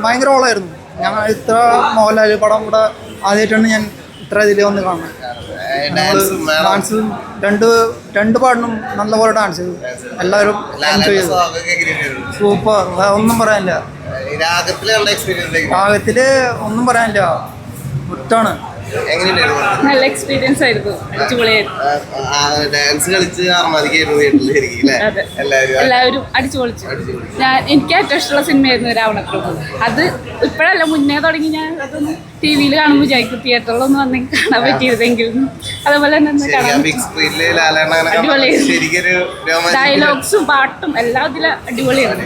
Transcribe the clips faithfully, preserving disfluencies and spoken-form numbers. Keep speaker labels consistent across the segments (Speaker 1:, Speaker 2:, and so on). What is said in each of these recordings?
Speaker 1: ഭയങ്കര ഓളായിരുന്നു. ഞങ്ങൾ ഇത്ര മോഹൻലാൽ പടം കൂടെ ആദ്യമായിട്ടാണ് ഞാൻ ഇത്ര ഇതിൽ വന്ന് കാണുന്നത്. ഡാൻസ് രണ്ട് രണ്ട് പാടിനും നല്ലപോലെ ഡാൻസ് ചെയ്തു. എല്ലാവരും എൻജോയ് ചെയ്തു. സൂപ്പർ, ഒന്നും പറയാനില്ല. രാഗത്തില് ഒന്നും പറയാനില്ല, ഒറ്റാണ്.
Speaker 2: നല്ല എക്സ്പീരിയൻസ് ആയിരുന്നു, അടിച്ചുപൊളിയായിരുന്നു.
Speaker 3: ഡാൻസ് കളിച്ച്
Speaker 2: എല്ലാവരും അടിച്ചു പൊളിച്ചു. ഞാൻ എനിക്ക് ഏറ്റവും ഇഷ്ടമുള്ള സിനിമയായിരുന്നു രാവണപ്രഭു. അത് ഇപ്പോഴല്ല, മുന്നേ തുടങ്ങി ഞാൻ അതൊന്ന് ടി വിയിൽ കാണുമ്പോൾ വിചാരിക്കും തിയേറ്ററിലൊന്നും വന്ന് കാണാൻ പറ്റിയതെങ്കിലും. അതുപോലെ തന്നെ അടിപൊളിയായിരുന്നു. ഡയലോഗ്സും പാട്ടും എല്ലാം ഇതിൽ അടിപൊളിയാണ്.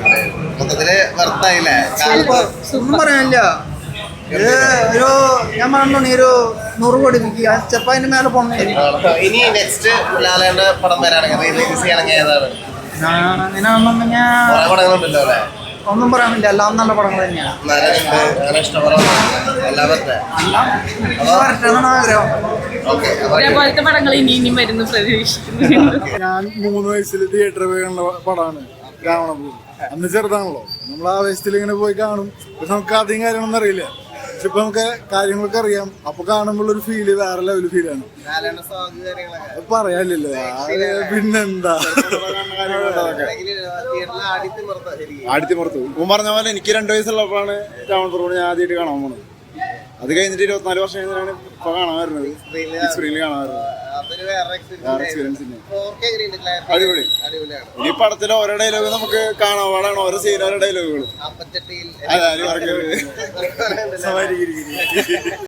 Speaker 1: ഒന്നും പറയാനില്ല. ഇത് ഒരു ഞാൻ പറഞ്ഞോണി ഒരു നൂറ് കോടി വിൽക്കുക ചിലപ്പോൾ അതിന്റെ മേലെ പോകണം.
Speaker 3: ഇനി നെക്സ്റ്റ് ലാലേന്റെ പടം വരാണെങ്കിൽ റിലീസ് ചെയ്യണമെങ്കിൽ ഏതാണ്?
Speaker 1: അങ്ങനെയാണെന്നുണ്ടെങ്കിൽ ഒന്നും പറയാനില്ല, എല്ലാം നല്ല പടങ്ങൾ തന്നെയാണ്.
Speaker 2: അതേപോലത്തെ പടങ്ങൾ ഇനി ഇനിയും വരുന്നു പ്രതീക്ഷിക്കുന്നു.
Speaker 4: ഞാൻ മൂന്ന് വയസ്സിൽ തിയേറ്ററിൽ പോയി കണ്ട പടമാണ് രാവണപ്രഭു. അന്ന് ചെറുതാണല്ലോ, നമ്മൾ ആവേശത്തിൽ ഇങ്ങനെ പോയി കാണും. പക്ഷെ നമുക്ക് അധികം കാര്യങ്ങളൊന്നും അറിയില്ല. പക്ഷെ ഇപ്പൊ നമുക്ക് കാര്യങ്ങളൊക്കെ അറിയാം. അപ്പൊ കാണുമ്പോൾ ഒരു ഫീല് വേറെ ലെവൽ ഫീലാണ്. പറയാനില്ലല്ലോ, പിന്നെന്താ ആടിത്തിമർത്തു. ഇപ്പം പറഞ്ഞ പോലെ എനിക്ക് രണ്ടു വയസ്സുള്ളപ്പോഴാണ് രാവണപ്രഭു ഞാൻ ആദ്യമായിട്ട് കാണാൻ പോകുന്നത്. അത് കഴിഞ്ഞിട്ട് ഇരുപത്തിനാല് വർഷം കഴിഞ്ഞാണ് ഇപ്പൊ കാണാൻ വരുന്നത്, സ്ക്രീനിൽ കാണാൻ വരുന്നത്. അടിപൊളി. ഈ പടത്തിലെ ഓരോ ഡയലോഗ് നമുക്ക് കാണാൻ പാടാണ്, ഓരോ സീൻ ഓരോ ഡയലോഗുകൾ.